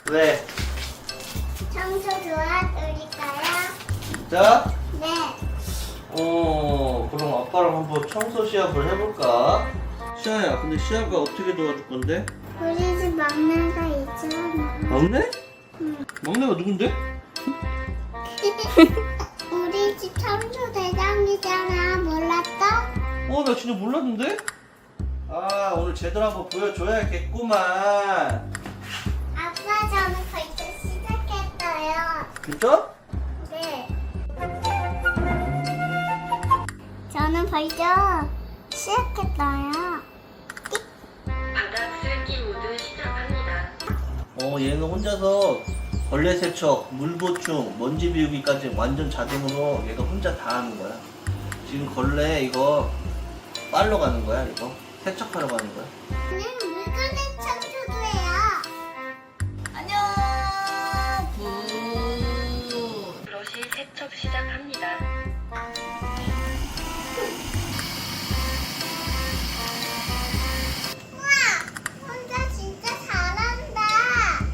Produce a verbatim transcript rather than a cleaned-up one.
왜? 청소 도와드릴까요? 진짜? 네. 어, 그럼 아빠랑 한번 청소 시합을 해볼까? 시아야, 근데 시아가 어떻게 도와줄 건데? 우리 집 막내가 있잖아. 막내? 응. 막내가 누군데? 우리 집 청소 대장이잖아. 몰랐어? 어, 나 진짜 몰랐는데? 아, 오늘 제대로 한번 보여줘야겠구만. 아빠 저는 벌써 시작했어요. 진짜? 네. 저는 벌써 시작했어요. 바닥 쓸기 모드 시작합니다. 어, 얘는 혼자서 벌레 세척, 물 보충, 먼지 비우기까지 완전 자동으로 얘가 혼자 다 하는 거야. 지금 걸레 이거 빨러 가는 거야, 이거. 세척하러 가는 거야. 저는 물건의 청소도 해요. 안녕. 부. 브러쉬 세척 시작합니다.